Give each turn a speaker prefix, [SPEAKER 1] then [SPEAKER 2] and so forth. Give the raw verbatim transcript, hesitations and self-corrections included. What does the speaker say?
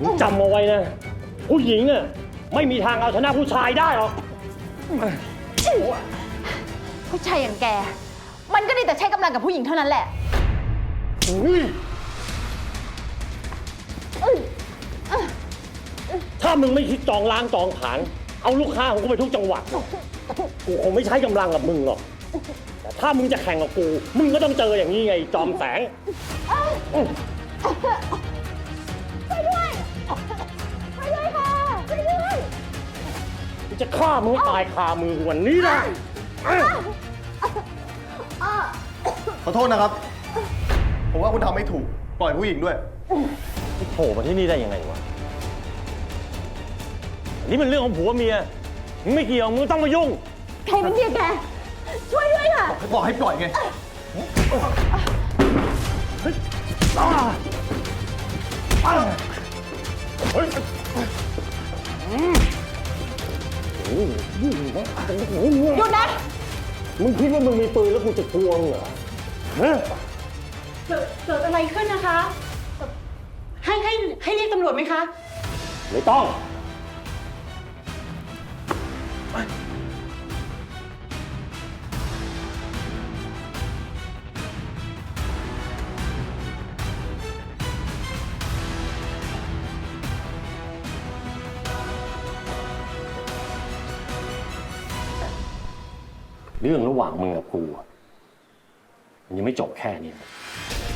[SPEAKER 1] มึงจำเอาไว้นะผู้หญิงอ่ะไม่มีทางเอาชนะผู้ชายได้หรอก
[SPEAKER 2] ผู้ชายอย่างแกมันก็ได้แต่ใช้กำลังกับผู้หญิงเท่านั้นแหละ
[SPEAKER 1] ถ้ามึงไม่คิดจองล้างจองผลาญเอาลูกค้าของกูไปทุกจังหวัดกูคงไม่ใช้กำลังกับมึงหรอกแต่ถ้ามึงจะแข่งกับกูมึงก็ต้องเจออย่างนี้ไงจอมแสง
[SPEAKER 2] ช่วยด้วยช่วยด้วยค่ะช่วยด้วย
[SPEAKER 1] กูจะฆ่ามึงให้ตายคามือวันนี้นะ
[SPEAKER 3] ขอโทษนะครับ ผมว่าคุณทำไม่ถูก ปล่อยผู้หญิงด้วย
[SPEAKER 1] โผล่มาที่นี่ได้ยังไงวะนี่มันเรื่องของผัวเมียมึงไม่เกี่ยวมึงต้องมายุ่ง
[SPEAKER 2] ใครเป็นเมียแกช่วยด้วยค่ะ
[SPEAKER 3] บอกให้ปล่อยไง
[SPEAKER 1] เฮ้ย
[SPEAKER 2] หยุดนะ
[SPEAKER 1] มึงคิดว่ามึงมีปืนแล้วกูจะกลัวมึงเหรอฮะ
[SPEAKER 4] เกิดเกิดอะไรขึ้นนะคะ ให้ให้ให้เรียกตำรวจไหมคะ
[SPEAKER 1] ไม่ต้องเรื่องระหว่างมึงกับกูมันยังไม่จบแค่นี้